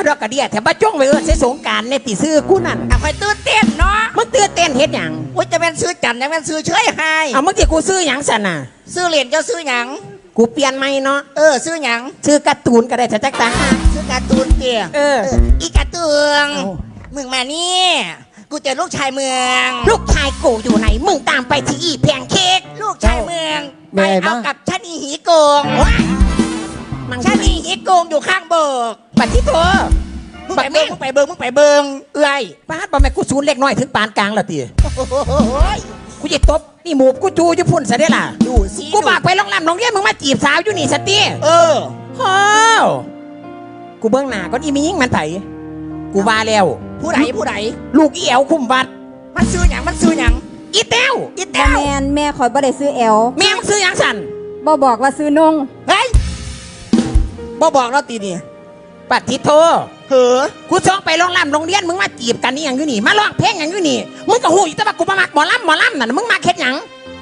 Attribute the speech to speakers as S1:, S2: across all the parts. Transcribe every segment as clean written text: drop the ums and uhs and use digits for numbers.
S1: ดอกกระเดียแถมบ้าจ้องไปใช้สงการในตีซื้อกูนั่น
S2: เอาคอยตื่นเต้นเนาะ
S1: มึงตื่นเต้นเฮ็ดหยัง
S2: อุ้ยจะเป็นซื้อจันจะเป็นซื้อเฉยให้
S1: เอามึงที่กูซื้อหยังสันน่ะ
S2: ซื้อเหรียญเจ้าซื้อหยัง
S1: กูเปลี่ยนไม่เนาะ
S2: ซื้อหยัง
S1: ซื้อการ์ตูนก็ได้จักตา
S2: ซื้อการ์ตูนเตี่ยอีการ์ตูนมึงมานี่กูเจอลูกชายเมือง
S1: ลูกชายกูอยู่ไหนมึงตามไปที่อีแพงเค้ก
S2: ลูกชายเมืองไปเอากับชานีหีโกงชานีหีโกงอยู่ข้างเบิก
S1: ปัดที่เธอ
S2: มึงไปเบิงเอ้ย
S1: ป้าบ่แม่กูศูนย์เล็กน้อยถึงปานกลางละตีกูจะตบนี่หมูกูจูจะพุ่นซะได้ล่ะ
S2: ดูสิ
S1: กูบากไปโรงแรมโรงเรียนมึงมาจีบสาวอยู่นี่สตีฮ้าวกูเบื้องหน้าก็อีมียิ่งมันไถกูว่าแล้ว
S2: ผู้ใด
S1: ลูกอีแอวคุ้มวัด
S2: มันซื้อหยัง
S1: อีแต้ว
S3: แม่คอยบ่ได้ซื้อแอล
S1: แม่มึงซื้อหยังสัน
S3: บ่บอกว่าซื้อนง
S2: เฮ้ยบ่บอกแล้วตีนี่
S1: ปัดทิโทกูช่องไปโรงแรมโรงเรียนมึงมาจีบกันนี่อย่างอยู่นี่มาร้องเพลงอย่างอยู่นี่มึงก็หูอยู่แต่ว่ากูมามักหมอลำน่ะมึงมาเค็ดหยัง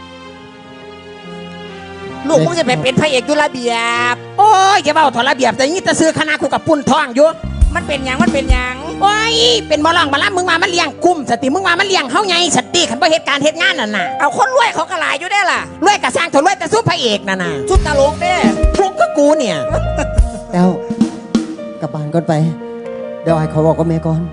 S2: ลูกมึงจะไปเป็นพระเอกยุระเบียบ
S1: โอ้ยแกเบ้าถอดระเบียบแต่นี่จะซื้อคณะกูกับปุ่นทองอยู่
S2: มันเป็นหยัง
S1: โอ้ยเป็นหมอลำมึงมามันเลี้ยงกุ้มสติมึงมามันเลี้ยงเฮาไงสติขันบ่เหตุการณ์เหตุงานน่ะ
S2: เอาคนรวยเขากระไรอยู่ได้ล่ะ
S1: รวยกระสร้างถอดรวยแต่สู้พระเอกน่ะ
S2: ชุดตลกเด้
S1: พวกก็กูเนี่ย
S4: แล้วกลับบ้านก่อนไปเดี๋ยวไอ้เขาบอกกับแม่ก่อน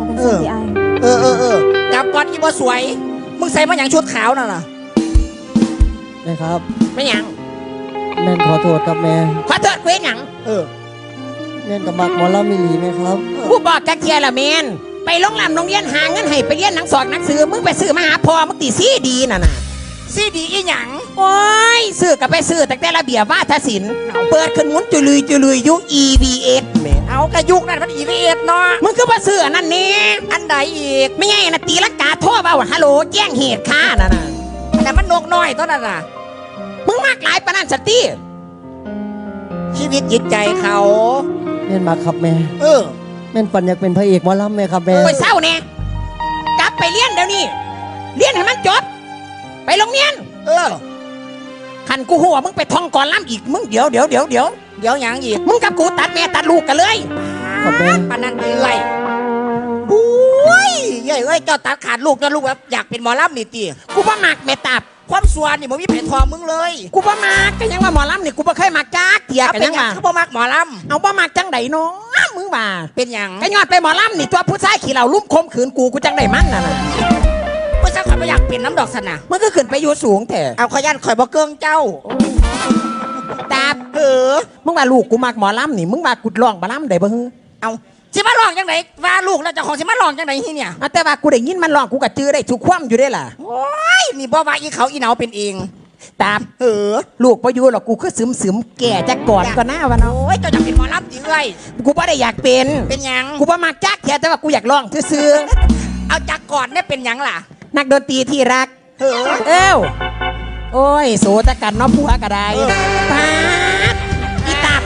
S2: กลับก่อนอีบ่สวยมึงใส่มาอย่างชุดขาวน่ะ
S4: แม่ครับ
S1: ไม่หยัง
S4: แม่ขอโทษครับแม่
S1: ขอโทษเว้ยหยัง
S4: แม่กับมักหมอลำมิลีไหมครับ
S1: กูบอกจักเทียละแม่นไปโรงแรมโรงเรียนหาเงินให้ไปเรียนหนังสอนหนังสือมึงไปซื้อมาหาพ่อมึงตีซีดีน่ะ
S2: ซีดีอีหยัง
S1: โอ้ยซื้อกับไปซื้อแต่ระเบียบวาทศิลป์เปิดขึ้นหมุนจุลุยยุค EVS แม่
S2: เอากระยุกนั่นมัน EVS เนาะ
S1: มึงคือมาซื้ออันนั้นนี่
S2: อันใดอีก
S1: ไม่ไงนะตีลังกาโทษเปล่าฮัลโหลแจ้งเหตุค่าน่ะ
S2: แต่มันนกน้อยตัวนั้นน่ะ
S1: มึงมากหลายปานนั้นสติ
S2: ชีวิตจิตใจเขา
S4: แม่มาครับแม่แม่ฝันอยากเป็นพระเอกหมอลำไหมครับแม่
S1: ไปเศร้าเนี่ยกลับไปเรียนเดี๋ยวนี้เรียนให้มันจบไปโรงเรียนขันกูหัวมึงไปท่องก่อนล้ำอีกมึงเดี๋ยว
S2: อย่างอีก
S1: มึงกับกูตัดแม่ตัดลูกกันเลย
S2: ปานนั้นเลยบุ้ยเย้ยเจ้าตัดขาดลูกจนลูกแบบอยากเป็นหมอลำนี่ตี
S1: กูบ่มักแม่ตับ
S2: ความสวนนี่มึงมีแผ่นทองมึงเลย
S1: กูบ่มักก็ยังว่าหมอลำนี่กูบ่เคยมักจักเถียกันยังว่า
S2: เขาบ่มักหมอล
S1: ำเอาบ่มักจังไดเนาะมึงว่า
S2: เป็นหยัง
S1: ก็ยอดไปหมอลำนี่ตัวผู้ชายขี่เหล่าลุ่มคมขืนกูจังไดมันน่ะ
S2: ผู้ชายข่อยไม่อยากเป็นน้ำดอกสนะ
S1: มึงก็ขึ้นไปอยู่สูงแท้
S2: เอาขยันข่อยบ่เกิงเจ้า
S1: ตามึงว่าลูกกูมักหมอลำนี่มึงว่ากูร้องหมอลำได้บ่ฮึ
S2: เอาสิมาลองจังไหนว่าลูกแล้วเจ้าของสิมาลองจังไหนที่เนี่ย
S1: แต่ว่ากูได้ยินมันลองกูก็จื้อได้ทุกความอยู่ได้ล่ะ
S2: โอ้ยนี่บ่ว่าอีเขาอีเหนาเป็นเอง
S1: ตามลูกพออยู่หรอกกูคือซึมแก่จะกอดก็น่าวะเนาะ
S2: โอ้ยเจ้าอยากเป็นหมอลำจริงเลย
S1: กูบ่ได้อยากเป็น
S2: หยัง
S1: กูบ่มักจักแต่ว่ากูอยากลองซื่อ
S2: เอาจักกอดเนี่ยเป็นหยังล่ะ
S1: นักดนตรีที่รักโอ้ยโสตกันน้องผัวกระไดป้าอีตับ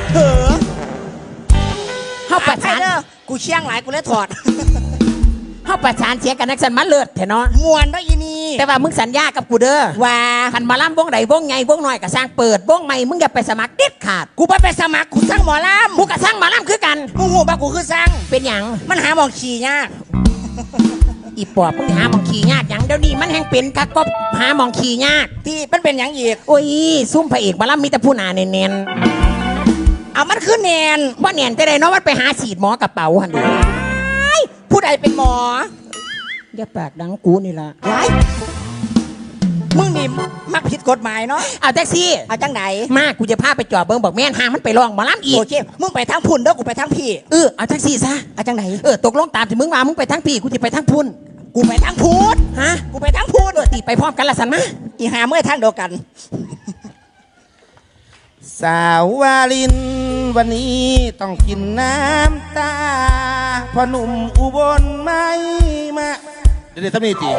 S1: เข้าประชาน
S2: กูเชี่ยงหลายกูเลยถอด
S1: เข้าประชานเสียกันนักสันมาเลิศเถอะเนาะ
S2: มวนได้ยินี่
S1: แต่ว่ามึงสัญญากับกูเด้อ
S2: ว่า
S1: ขันมาล่ำวงใดวงไงวงน้อยก็สร้างเปิดวงใหม่มึงอย่าไปสมัครเด็ดขาด
S2: กูไปสมัครกูสร้างหมอลำ
S1: กูก็สร้างหมอลำคือกัน
S2: มึงหูบ้ากูคือสร้าง
S1: เป็นหยัง
S2: มันหาหมองขี่ยาก
S1: อีปอบมึงหาหมองขี่ยากอย่างเดี๋ยวนี้มันแห่งเป็นคักก็หาหมองขี่ยาก
S2: ที่มันเป็นอย่างอีก
S1: โอ้ยซุ่มพระเอกมาล่ำมีแต่ผู้หนาเนียน
S2: เอามันคือเนียน
S1: ว่าเนียนแต่ใดเนาะมันไปหาฉีดหมอกระเป๋าหันดู
S2: ผู้ใดเป็นหมอ
S1: อย่าปากดังกูนี่ละ
S2: ไรมึงนี่มักผิดกฎหมายเนาะ
S1: เอาแท็กซี่
S2: เอาจังไหน
S1: มากูจะพาไปจอดเบิ้งบอกแม่นหามันไปลองหมอลำอีก
S2: โอเคมึงไปทางพุ่นเด้อกูไปทางพี่
S1: เอาแท็กซี่ซะ
S2: เอาจังไหน
S1: ตกลงตามที่มึงมามึงไปทางพี่กูจะไปทางพุ่น
S2: กูไปทางพุทธ
S1: ฮะ
S2: กูไปทางพุทธ
S1: ตีไปพร้อมกันละสันมะ
S2: อีหาเมื่อทางเดียวกัน
S4: สาววาลินวันนี้ต้องกินน้ำตาพอหนุ่มอุบลไม่มาเดี๋ยวทำนี่จี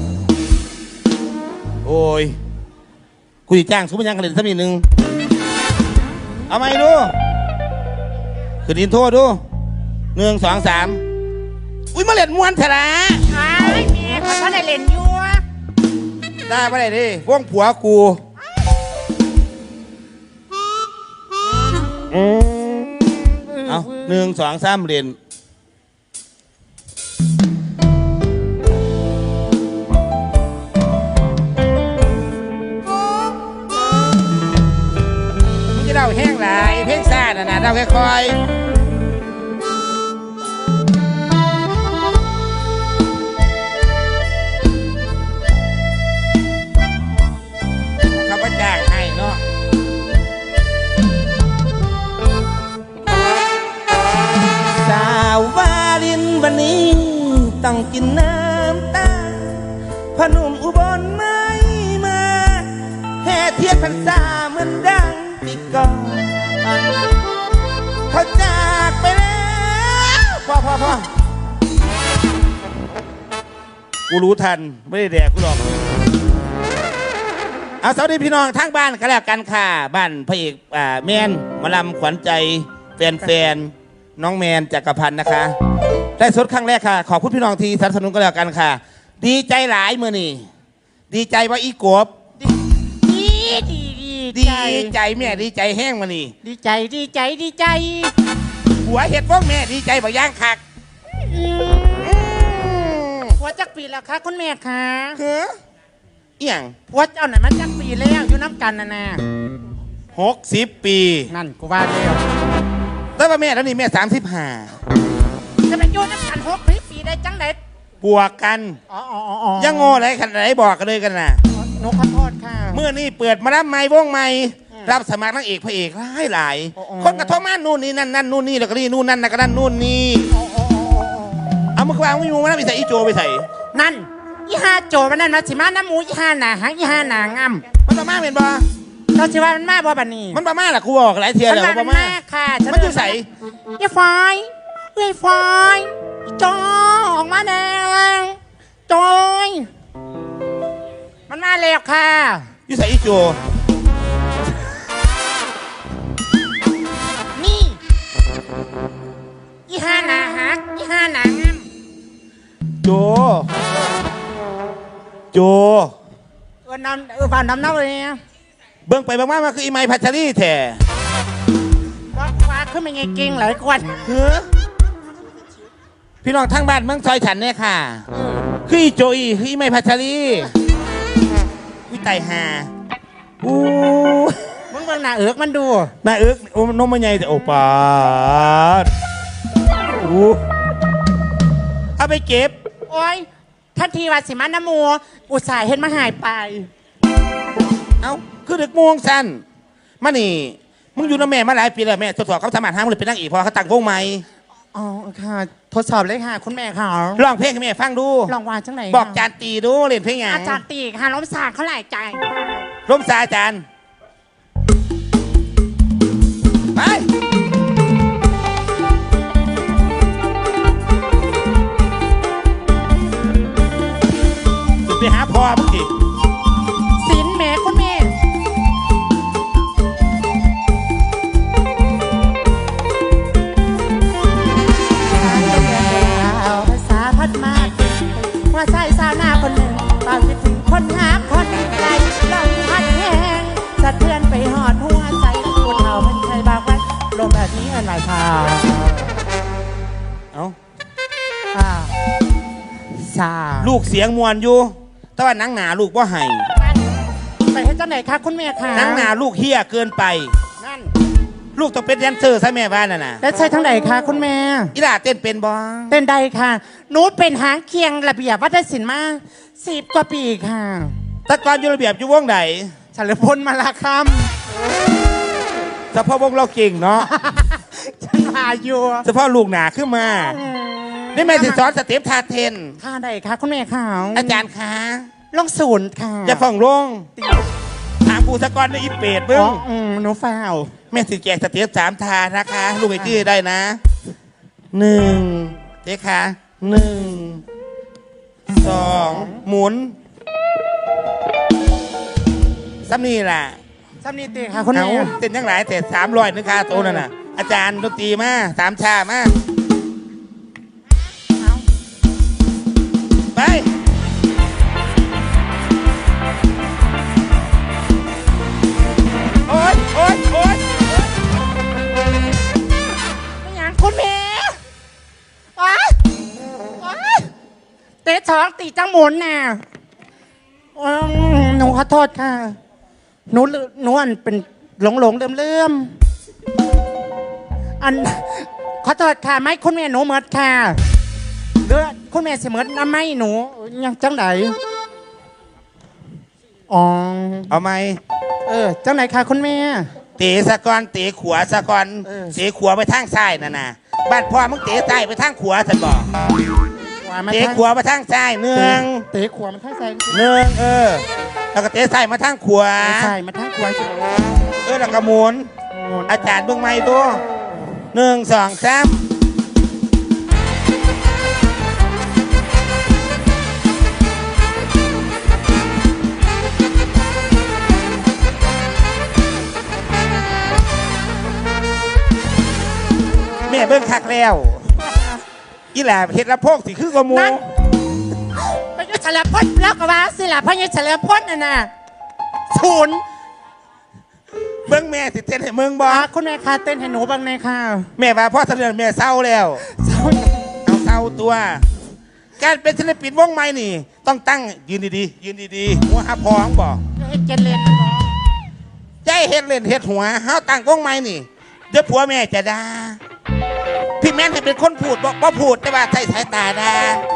S4: โอ้ยกูจะจ้างสมมติยังกันเลยทำนี่หนึ่งเอาไหมดูคืนดินโทษดู1 2 3อุ้ยมาเล่นมวนเถอะนะ
S2: ไอ้เมียขอท่านได้เล่นยัว
S4: ได้ไม่ได้ดิวงผัวกูเอา1 2 3เล่นนาเดาค่อยๆเขาก็จ้างให้เนาะสาววาลินวันนี้ต้องกินน้ำตาพนุ่มอุบลไม่มาแห่เทียนพรรษาเหมือนดังปีก่อนเขาจากไปแล้วพอกูรู้ทันไม่ได้แดกกูหรอกเอาสวัสดีพี่น้องทางบ้านกันแล้วกันค่ะบ้านพระเอกแมนหมาลำขวัญใจแฟนๆน้องแมนจักรพันธ์นะคะได้สดครั้งแรกค่ะขอบคุณพี่น้องที่สนับสนุนกันแล้วกันค่ะดีใจหลายมือนี่ดีใจว่าอีกบดีใจแม่ดีใจแห้งมานี่
S2: ดีใจ
S4: หัวเห็ดพวกแม่ดีใจบ่ย่างคัก
S2: หัวจักปีแล้วคะคุณแม่คะ
S4: เฮ้อเอี่ยง
S2: หัวเจ้าไหนมันจักปีแล้วอยู่น้ำกันนะ
S4: 60 ปี
S2: นั่นกูว่าแล้ว
S4: แต่ว่าแม่แล้วนี่แม่35
S2: จะเป็นอยู่น้ำกัน60 ปีได้จังไหน
S4: บวกกันยังโง่อะไรขนาดไหนบอกกันเลยกันนะ
S2: นกขอโทษค่ะ
S4: เมื่อนี่เปิดมารับไม้วงไม้รับสมัครนางเอกพระเอกหลายคนกระทบมานู่นนี่นั่นนู่นนี่แล้วก็นี่นู่นนั่นแล้วก็นั่นนู่นนี่เอามือวางไม่มูมาแล้วไปใส่อีโจไปใส่
S2: นั่นอีห้าโจมันนั่นมาสิมาน้ำมูอีห้าหนาหางอีห้าหนางาม
S4: มันประมาเป็นบ่
S2: เราสิว่ามันมาบ่บันนี้
S4: มันประมาแหละกูบอกหลายเทียแล้ว
S2: ประมาค่ะ
S4: มันอยู่ใส่
S2: อีไฟจอออกมาแดงจอยมันมาแล้วค่ะ
S4: อยู่ใส่อีโจ
S2: นี่อีห้าหนาฮักอีห้าหนางาม
S4: โจ
S2: บ้านน้ำเน่าเลย
S4: เบิ่งไปบางมาคืออีไมพัชรีแท้
S2: ว่าขึ้นเป็นไงเก่งหลายคน
S4: พี่น้องทั้งบ้านเมืองซอยฉันเนี่ยค่ะคืออีโจอีคืออีไมพัชรีวิไตหา
S2: มึงเบิ่งหน้าเอิกมันดู
S4: หน้าเอิกโอ้นมมันใหญ่แต่โอปาเอาไปเก็บ
S2: โอ้ยทันทีว่าสิมันน้ำมัวอุตส่าห์เห็นมาหายไป
S4: เอ้าคือเด็กม่วงสั้นมานี่มึงอยู่น้าแม่มาหลายปีแล้วแม่ทดสอบเขาสมัครห้ามเลยเป็นนางเอกพอเขาตั้งวงใหม่
S2: อ๋อค่ะทดสอบเลยค่ะคุณแม่ค่ะ
S4: ร้องเพลงให้แม่ฟังดู
S2: ร้องว่าจังไหน
S4: บอกจานตีดูเล่นเพลงอย่าง
S2: อาจารย์ตีค่ะล้มสาเขาหลายใจ
S4: ล้มสาอาจารย์ไปสุดไปหาพ่อมึงดิ
S2: สินแม่คุณแม่ภาษาพัดมาว่าใส่สาวหน้าคนหนึ่งบางคิดถึงคนหาคนไกลลมพัดแห้งสะเทือนไปหอดหัวใจคนเฒ่ามันใครบางวันลมแบบนี้อะไรค่ะ
S4: เอ้า
S2: ซา
S4: ลูกเสียงมวนอยู่แต่ว่านังหนาลูกว่าไห้
S2: ไปให้เจ้าไหนคะคุณแม่คะ
S4: นังหนาลูกเฮี้ยเกินไป
S2: นั่น
S4: ลูกต้องเป็นแดนเซอร์ใช่แม่บ้านน่ะ
S2: แล้วใช่ทั้งไหนคะคุณแม่
S4: อีหล่าเต้นเป็นบ้าง
S2: เต้นได้ค่ะหนูเป็นหางเคียงระเบียบวัฒนศิลป์มา10 กว่าปีค่ะ
S4: แต่ก่อนอยู่ระเบียบอยู่วงไหน
S2: เฉลิมพลมาลาค
S4: ำเฉพาะวงเราเก่งเนาะ
S2: ฉันมาอยู่
S4: เฉพาะลูกหนาขึ้นมานี่แม่สิสอนสเต็ปท่าเต้น
S2: ท่าใดคะคุณแม่ค่ะ
S4: อาจารย์คะ
S2: ลงศูนย์ค่ะ
S4: จะฟังลงถามกูสะกอนในอีเปดเบิ้ง
S2: หนูฟ้าว
S4: แม่สิแจกสเต็ป3 ท่านะคะลูกไอ้จี้ได้นะ1เจ๊ค่ะ1 2หมุนซ้ำนี่แหละ
S2: ซ้ำนี่ตีค่ะคุณแม่
S4: เต้นยังหลายแต่300นึงค่ะโตนั่นน่ะอาจารย์ดนตรีมา3 ชามาไปโอ๊ย
S2: ไม่อยากคุณแม่เตะท้องตีจังหมุนน่ะหนูขอโทษค่ะหนูอันเป็นหลงเลื่อมอันขอโทษค่ะไม่คุณแม่หนูเหมิดค่ะเดือคุณแม่เสเหมิดน้ำไม่หนูยังจังไหนอ๋อ
S4: เอาไหม
S2: จังไหนค่ะคุณแม่
S4: เตะสะกอนเตะขวาสะกอน เตะขวาไปทางซ้ายน่ะนะบ้านพ่อมึงเตะซ้ายไปทางขวาฉันบอกเตะขวาไปทางซ้ายหนึ่ง
S2: เตะขวามันทั้งใส่
S4: หนึ่งแล้วก็เตะซ้ายมาทางขวา
S2: ใส่มาทั้งขวา
S4: แล้วก็หมุนอาจารย์เบิ่งไม่ตัว1 2 3แม่เบิ่งคักแล้วอีหล่าเฮ็ดละโพกสิคือกว่าหมู
S2: พญาเฉลิมพลแล้วก็ว่าสิล่ะพญาเฉลิมพลน่ะศูนย์
S4: เบิ่งแม่สิเต้นให้มึงบ่
S2: คุณแม่ค่ะเต้นให้หนูบ้างเลยค่ะ
S4: แม่ว่าพ่อเสนอแม่เศร้าแล้วเอาเศร้าตัว การเป็นศิลปินวงใหม่นี่ ต้องตั้งยืนดีๆยืนดีๆหัวหาพองบ่
S2: เจนเลน
S4: ใจเฮ็ดเล่นเฮ็ดหัวเฮาตั้งวงใหม่นี่เดี๋ยวผัวแม่จะด่าพี่แม่นให้เป็นคนพูดบ่พูดแต่ว่าใช้สายตาด่า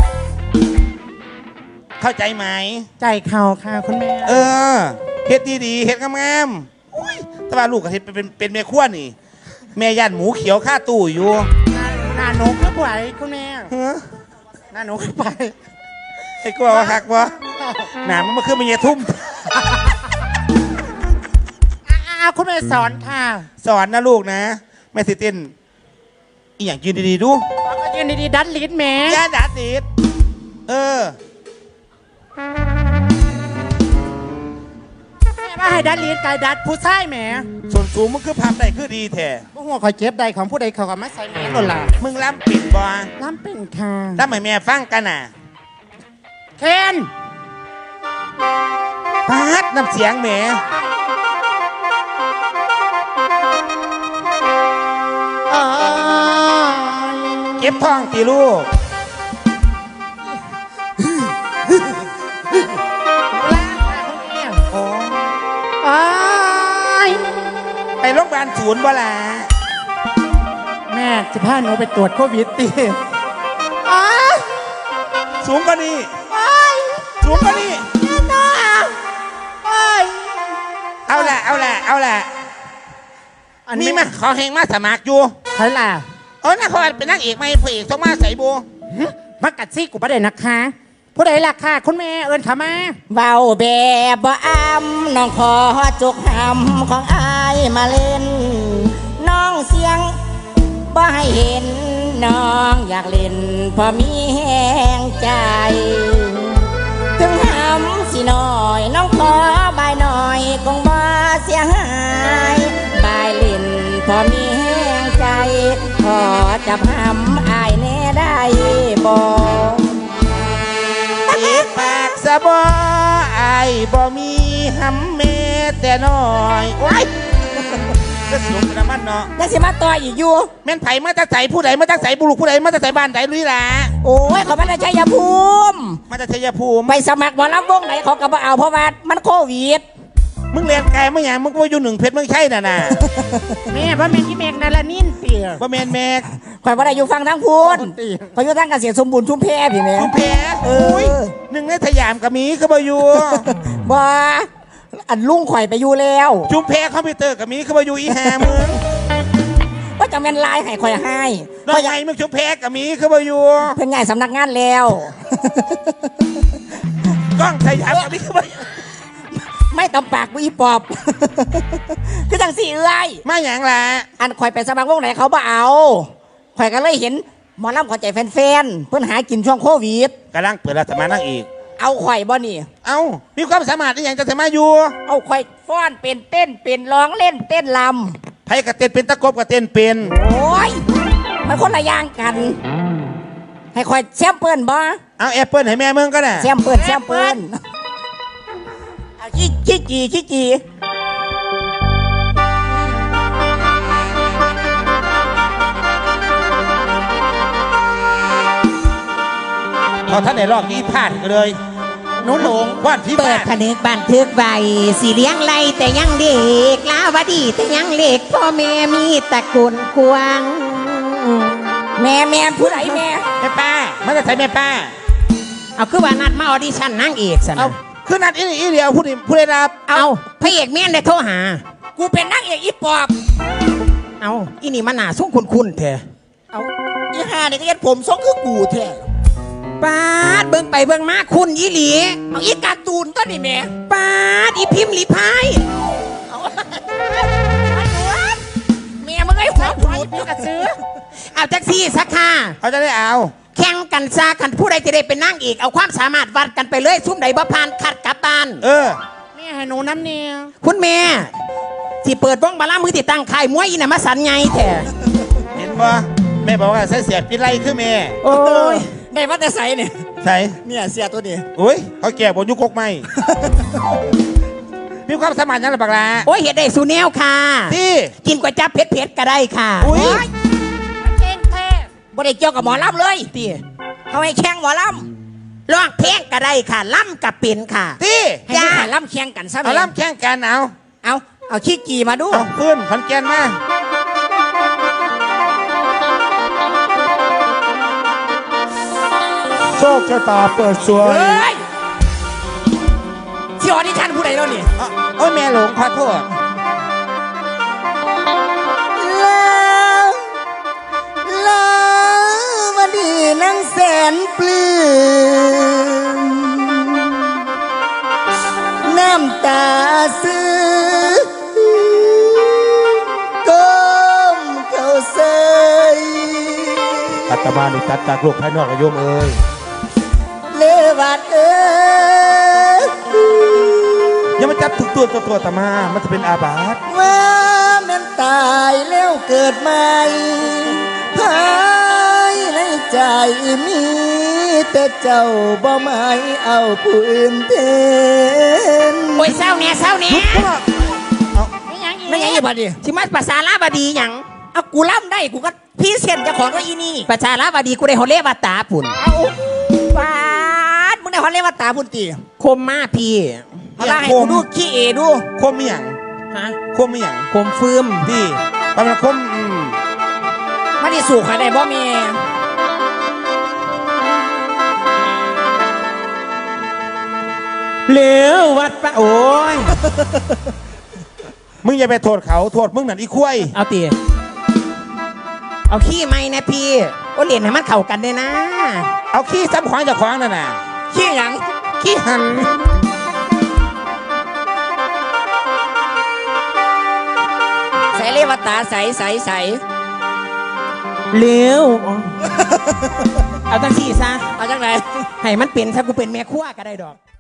S4: เข้าใจไหม
S2: ใจเข่าค่ะคุณแม่
S4: เฮ็ดดีๆเฮ็ดงามๆอุ้ยแต่ว่าลูกก็เฮ็ดเป็นแม่ครัวนี่ แม่ย่านหมูเขียวค่าตู้อยู่
S2: หน้าหนูคือไหวคุณแม่
S4: ฮะ
S2: หน้าหนูคือไหว
S4: ไอ้กลัวว่าคักวะหนามันมาขึ้นมาเยทุ่ม
S2: คุณแม่สอนค่ะ
S4: สอนนะลูกนะแม่สิเต้นอีอย่างยืนดีๆดู
S2: แล้วก็ยืนดีๆดันลิ้นแม่
S4: ย่าดัดดีด
S2: แม่ว่าให้ดันลิ้นไก่ดัดผู้ชายแม่
S4: ส่วนสูงมันคือภาพได้คือดีแท้
S2: พวกหัวคอยเจ็บใดของผู้ใดเขาก็มาใส่แม่หล่นล่ะ
S4: มึงล้ำปิดบ่
S2: ล้ำเป็นค่ะ
S4: ล้ำให้แม่ฟังกันน่ะ
S2: เคน
S4: พาดน้ำเสียงแหมเก็บท้องตีลูกโอ้ ไปโรงพยาบาลศูนย์บ่ล่ะ
S2: แม่จะพาหนูไปตรวจโควิดตี
S4: สูงกว่านี้สูงกว่านี้เอาล่ะมีมาขอแหงมาสมัครอยู่
S2: ใครล่ะ
S4: น่าเขาเป็นนางเอกไหมพระเอกต้องมาใส่บู
S2: มักกัดซี่กูประเด็นนะคะ ผู้ใดล่ะค่ะคุณแม่เอิญขามา
S5: เบาแบบบ่อ้ำน้องขอจุกหำของอายมาเล่น น้องเสียงบ่ให้เห็น น้องอยากเล่นพอมีแห้งใจ ถึงหำสิหน่อยน้องขอบายหน่อยคงบ่เสียหายบายเล่นพอมีแห้งใจ ขอจับหำอายแน่ได้บ่
S4: อีปากสะบอไอ้บ่มีหำเมแต่น้อยโอ้ยก็สูงกันมันเนาะ
S5: ยังสิมาต่ออีกอยู่
S4: แม่นไผ่มาจากใสผู้ใดมาจากใสบุรุษผู้ใดมาจากใสบ้านใดลุยล่ะ
S5: โอ้ยเขาไม่ได้ชัยภูมิ
S4: มาจากชัยภูมิ
S5: ไปสมัครหมอลำวงไหนเขาก็บ่เอาเพราะว่ามันโควิด
S4: มึงเรียนไกลมึงอย่างมึงก็อยู่หนึ่งเพชรมึงใช่น่ะ
S2: แม่พ่อแม่ที่แมกนาลานินเตี่ย
S4: บ่แมนแมก
S5: ข่อยบ่ได้อยู่ฟังทั้งพูนข่อยอยู่ทางเกษตรสมบูรณ์ชุมแพพี่แม่
S4: ชุมแพโอ้ยหนึ่งในสยามกับมีก็บ่อยู่
S5: บ่อันลุงข่อยไปอยู่แล้ว
S4: ชุมแพคอมพิวเตอร์กับมีก็บ่อยู่อีหามึง
S5: ว่าจะแม่นลายให้ข่อยให้
S4: น้อยใหญ่มึงชุมแพกับมีก็บ่อยู่
S5: เพิ่นย้ายสำนักงานแล้ว
S4: กล้องสยามกับมีก็บ่อยู่
S5: ไม่ตำปากกูอีปอบ คือจังสี่เอ้ย
S4: มาอย่างล่ะ
S5: อันข่อยไปสมัครวงไหนเขาบ่เอาข่อยก็เลยเห็นหมอลำขอใจแฟนๆเพิ่นหากินช่วงโควิด
S4: กำลังเปิดรับสมัครนั่งอีก
S5: เอาข่อยบ่นี่
S4: เอ้ามีความสามารถในอย่างจะสามารถอยู่
S5: เอาข่อยฟ้อนเป็นเต้นเป็นร้องเล่นเต้นล
S4: ไผ่กับเต้นเป็นตะกบกับเต้นเป็น
S5: ำโอ้ยมันคนละอย่างกัน ให้ข่อยแซมเปิลบ่
S4: เอาแอปเปิลให้แม่มึงก็ได้
S5: แซมเปิลเอาขี้จี
S4: พอท่านไหนลอกนี้พลาดก็เลย
S2: หนูหลง
S4: ว่านพี่
S1: เปิ
S4: บ้า
S1: ดผนึกบันทึกไว้สีเลี้ยงไรแต่ยังเด็กลาวดีแต่ยังเล็กพ่อแม่มีตระกูลกวาง
S5: แม่ผู้ใดแม่
S4: แม่ป้ามันจะใส่แม่ป้า
S1: เอาคือว่านัดมาออดิชั่นนางเอกสัน
S4: เอาคือนัดอีเดียวผู้ได้รับ
S1: เอาพระเอกเมียนได้โทรหา
S5: กูเป็นนางเอกอีปอบ
S1: เอาอีนี่มันหนาส่งคุณแท้
S5: เอาอีห่าเนี่ยก็ยัดผมทรงคือกูแท้
S1: ปาดเบิ่งไปเบิ่งมาคุณอีหลี
S5: เอาอีการ์ตูนต้นนี่แม่
S1: ปาดอีพิมพ์ลีพาย
S5: แม่มึงไอ้หัวผุด
S2: กระซื้อ
S1: เอาแท็กซี่สักค่ะ
S4: เขาจะได้เอา
S1: แข่งกันซากันผู้ใดจะได้เป็นนางเอกเอาความสามารถวัดกันไปเลยซุ่มใดบ่ผ่านคัดกลับบ้าน
S4: เออ
S2: แม่ให้หนูน้ำเนี่ย
S1: คุณแม่ที่เปิดวงบาลามือติดตั้งค่ายมวยอีน่ะมาสันไงแท้
S4: เห็นบ่แม่บอกว่าใส่เสียปิดไรคือแม่
S1: โอ้ย
S5: ได้มาแต่ใสเนี่ย
S4: ใส่
S5: เนี่ยเสียตัวนี้
S4: อุ้ยเขาแก่บนยุคกกไม่ มีความสามารถยังไงบักลา
S1: โอ้ยเห็ดได้สูแนวค่ะ
S4: ที่
S1: กินก๋วยจั๊บเผ็ดๆก็ได้ค่ะ
S4: อุ้ย
S2: เก่งแท้
S5: บ่ได้เกี่ยวกับหมอลำเลย
S1: ตี
S5: เขาให้แข่งหมอล
S1: ร้องเพลงก็ได้ค่ะล่ำกับเป็นค่ะ
S4: ที่
S5: ำให้ผู้ขายลำแข่งกันซะ
S4: เอาล่ำแข่งกันเอา
S5: เอาขี้กีมาดู
S4: เอาฟื้นขอนแก่นมา
S6: โชคชะตาเปิดสวย
S5: เฮ้ยที่ออดิชั่นผู้ใดแล้วนี่
S4: เอาโอ้ยแม่หลงขอโทษ
S5: ลาวันดีนางแสนปลื้มน้ำตาซื้อก้มเข้าใส่
S6: อาตมานี่ตัดจากโลกภายนอกกับโยมเอ้ย
S5: เลวัดเอ้ย
S4: อย่ามาจับถึงตัวตามามันจะเป็นอาบาต
S5: ว่าแม่นตายแล้วเกิดใหม่ภายในใจมีแต่เจ้าบ่หมายเอาผู้อื่นเทน
S1: โอ้ยเศร้าเนี่ยเศร้าเนี่ย
S2: ไม่ยังอีก
S5: ไม่ยังอยู่บัดดิ
S1: ชิมาภาษาลาบดีหยัง
S5: เอากูล่ำได้กูก็พี่เส้นเจะของว่าอีนี่
S1: ภาษาลาบดีกูได้ฮอลเลวาตาปุ่น
S5: เอาปาดมึงได้ฮอนเลวัตตาพุ่นตี
S1: คมมาพี่
S5: เอาล่ะให้กูดูขี้เอดู
S4: คมมีหยัง
S1: ฮะ
S4: คมมีหยัง
S1: คมฟืม
S4: ที่ประมาณคม
S5: มาดิสู่ใครได้บ่มี
S1: เหลววัดปะโอ้ย
S4: มึงอย่าไปโทษเขาโทษมึงนั่นอีคุ้ย
S1: เอาตีเอาขี้ไหมนะพี่โอ้เหรียญให้มันเข้ากันได้นะ
S4: เอาขี้ซ้ำขวางจากขวางนั่นน่ะ
S5: ขี้หยัง
S4: ขี้หัน
S5: ใส่เลวัตตาใส่
S1: เหลวเอาตั้งสี่ซะ
S5: เอาจังไหน
S1: ให้มันเป็นซะกูเป็นแม่ครัวก็ได้ดอก